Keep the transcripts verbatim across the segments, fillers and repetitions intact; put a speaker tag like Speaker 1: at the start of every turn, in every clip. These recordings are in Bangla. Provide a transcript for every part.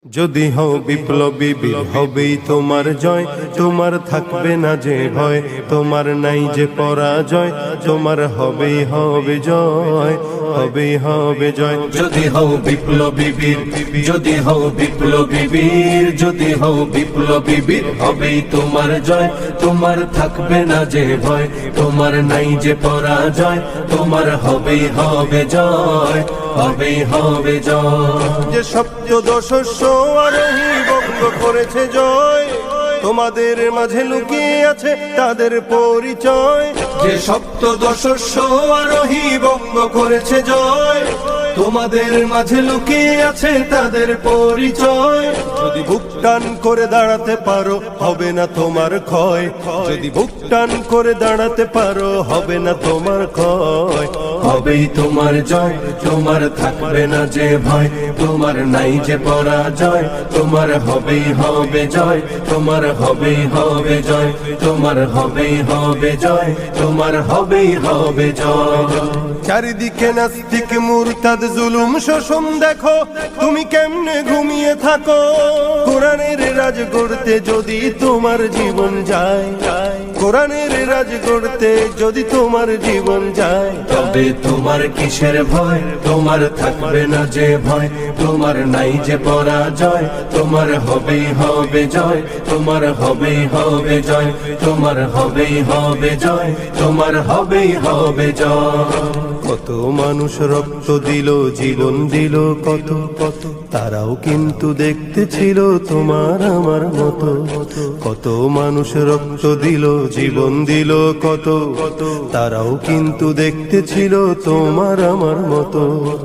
Speaker 1: যদি হও বিপ্লবী বীর হবেই তোমার জয়, তোমার থাকবে না যে ভয়, তোমার নাই যে পরাজয়, তোমার হবেই হবে জয়, হবেই হবে জয়।
Speaker 2: যদি হও বিপ্লবী বীর, যদি হও বিপ্লবী বীর, যদি হও বিপ্লবী বীর, হবেই তোমার জয়, তোমার থাকবে না যে ভয়, তোমার নাই যে পরাজয়, তোমার হবেই হবে জয়, হবেই হবে জয়।
Speaker 1: যে সপ্তদশস্য আরোহী বঙ্গ করেছে জয়, তোমাদের মাঝে লুকিয়ে আছে তাদের পরিচয়।
Speaker 2: যে সপ্তদশস্য আরোহী বঙ্গ করেছে জয়, তোমাদের মাঝে লুকিয়ে আছে তাদের পরিচয়।
Speaker 1: যদি বুক টান করে দাঁড়াতে পারো হবে না তোমার ক্ষয়, যদি বুক টান করে দাঁড়াতে পারো হবে না তোমার ক্ষয়,
Speaker 2: হবেই তোমার জয়, তোমার থাকবে না যে ভয়, তোমার নাই যে পরাজয়, তোমার হবেই হবে জয়, তোমার হবেই হবে জয়, তোমার হবেই হবে জয়, তোমার হবেই হবে জয়।
Speaker 1: চারিদিকে নাস্তিক মুরতাদ জুলুম শোষণ দেখো, তুমি কেমনে ঘুমিয়ে থাকো। কোরআনের রাজ করতে যদি তোমার জীবন যায়, কোরআনের রাজ করতে যদি তোমার জীবন যায়,
Speaker 2: তবে তোমার কিসের ভয়, তোমার থাকবে না যে ভয়, তোমার নাই যে পরাজয়, তোমার হবেই হবে জয়, তোমার হবেই হবে জয়, তোমার হবেই হবে জয়, তোমার হবেই হবে জয়।
Speaker 1: কত মানুষ রক্ত দিল জীবন দিল কত কত, তারাও কিন্তু দেখতে ছিল তোমার আমার মতো। কত মানুষ রক্ত দিল জীবন দিল কত কত, তারাও কিন্তু দেখতে ছিল তোমার আমার মতো।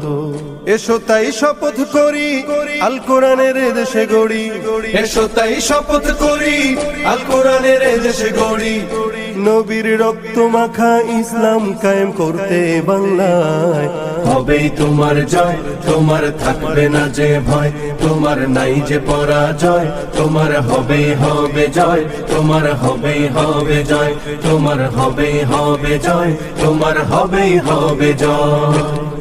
Speaker 1: এসো তাই শপথ করি আল কোরআনের দেশে গড়ি,
Speaker 2: এসো তাই শপথ করি আল কোরআনের দেশে গড়ি,
Speaker 1: নবীর রক্ত মাখা ইসলাম কায়েম করতে বাংলায়।
Speaker 2: হবেই তোমার জয়, তোমার থাকবে না যে ভয়, তোমার নাই যে পরাজয়, তোমার হবেই হবে জয়, তোমার হবেই হবে জয়, তোমার হবেই হবে জয়, তোমার হবেই হবে জয়।